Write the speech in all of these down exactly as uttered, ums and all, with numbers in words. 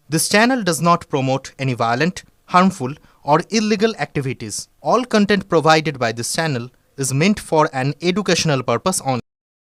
This channel does not promote any violent, harmful, or illegal activities. All content provided by this channel is meant for an educational purpose only.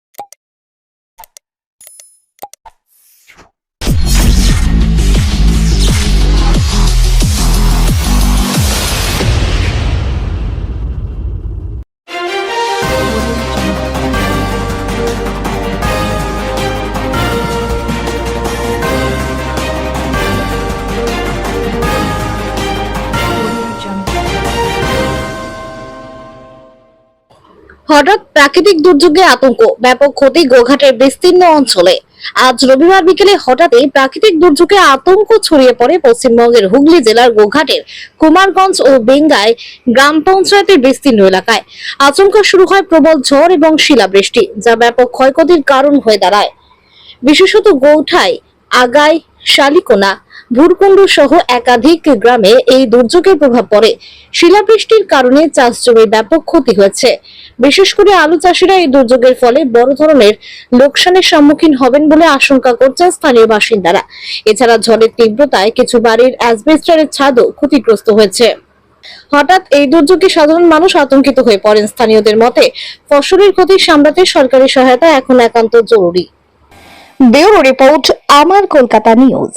হঠাৎ প্রাকৃতিক দুর্যোগে আতঙ্ক, ব্যাপক ক্ষতি গোঘাটের বিস্তীর্ণ অঞ্চলে। আজ রবিবার বিকেলে হঠাৎই প্রাকৃতিক দুর্যোগে আতঙ্ক ছড়িয়ে পড়ে পশ্চিমবঙ্গের হুগলি জেলার গোঘাটের কুমারগঞ্জ ও বেঙ্গাই গ্রাম পঞ্চায়েতের বিস্তীর্ণ এলাকায়। আচমকা শুরু হয় প্রবল ঝড় এবং শিলাবৃষ্টি, যা ব্যাপক ক্ষয়ক্ষতির কারণ হয়ে দাঁড়ায়। বিশেষত গৌঠাই, আগাই, শালিকোনা, ভুরকুন্ডু সহ একাধিক গ্রামে এই দুর্যোগের প্রভাব পড়ে। শিলাবৃষ্টির কারণে চাষ জমির ব্যাপক ক্ষতি হয়েছে। বিশেষ করে আলু চাষিরা এই দুর্যোগের ফলে বড় ধরনের লোকসানের সম্মুখীন হবেন বলে আশঙ্কা করছেন স্থানীয় বাসিন্দারা। এছাড়া ঝড়ের তীব্রতায় কিছু বাড়ির অ্যাসবেস্টরের ছাদও ক্ষতিগ্রস্ত হয়েছে। হঠাৎ এই দুর্যোগে সাধারণ মানুষ আতঙ্কিত হয়ে পড়েন। স্থানীয়দের মতে, ফসলের ক্ষতি সামলাতে সরকারি সহায়তা এখন একান্ত জরুরি। ব্যুরো রিপোর্ট, আমার কলকাতা নিউজ।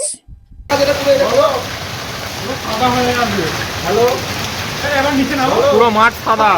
পুরো মাঠ সাদা।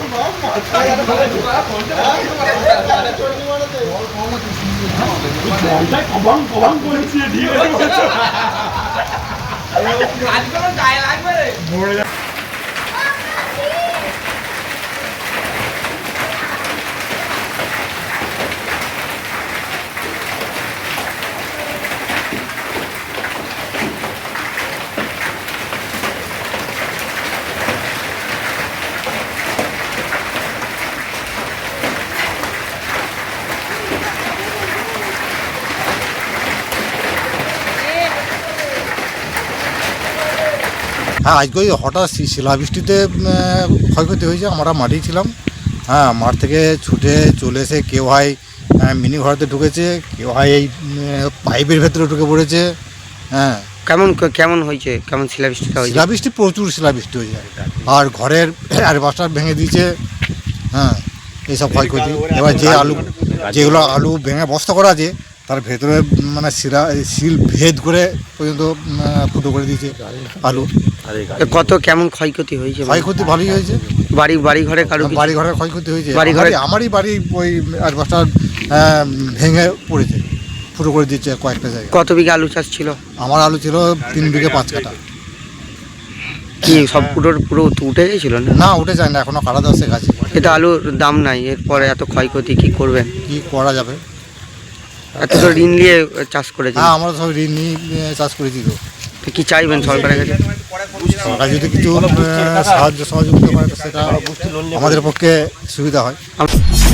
হ্যাঁ, আজকে ওই হঠাৎ শিলাবৃষ্টিতে ক্ষয়ক্ষতি হয়েছে। আমরা মাঠেই ছিলাম। হ্যাঁ, মাঠ থেকে ছুটে চলে এসে কেউ হয় মিনি ঘরেতে ঢুকেছে, কেউ হয় এই পাইপের ভেতরে ঢুকে পড়েছে। হ্যাঁ, কেমন কেমন হয়েছে? কেমন শিলাবৃষ্টিটা হয়েছে? শিলাবৃষ্টি প্রচুর শিলাবৃষ্টি হয়েছে, আর ঘরের অ্যাসবেস্টস ভেঙে দিয়েছে। হ্যাঁ, এইসব ক্ষয়ক্ষতি। এবার যে আলু যেগুলো আলু ভেঙে বস্তা করা আছে, তার ভেতরে মানে শিলা শিল ভেদ করে পর্যন্ত ফুটো করে দিয়েছে আলু। কত কেমন ক্ষয়ক্ষতি হয়েছে? ক্ষয়ক্ষতি ভালোই হয়েছে। বাড়ি বাড়ি ঘরে কারো বাড়ি ঘরের ক্ষয়ক্ষতি হয়েছে। বাড়ি ঘরে আমারই বাড়ি ওই অ্যাসবেস্টস ভেঙে পড়েছে, ফুটো করে দিয়েছে কয়েকটা জায়গায়। কত বিঘা আলু চাষ ছিল? আমার আলু ছিল তিন বিঘে পাঁচ কাঠা। কি সব পুরো পুরো উঠে গেছিল? না না, উঠে যায় না, এখনো কাটা দশে গাছে। এটা আলুর দাম নাই, এরপরে এত ক্ষয়ক্ষতি কি করবেন? কি করা যাবে? এত তো ঋণ নিয়ে চাষ করেছে। হ্যাঁ, আমরা সব ঋণ নিয়ে চাষ করেছি। তো কি চাইবেন সরকারের কাছে? সরকার যদি কিছু সাহায্য সহযোগিতা করে, সেটা আমাদের পক্ষে সুবিধা হয়।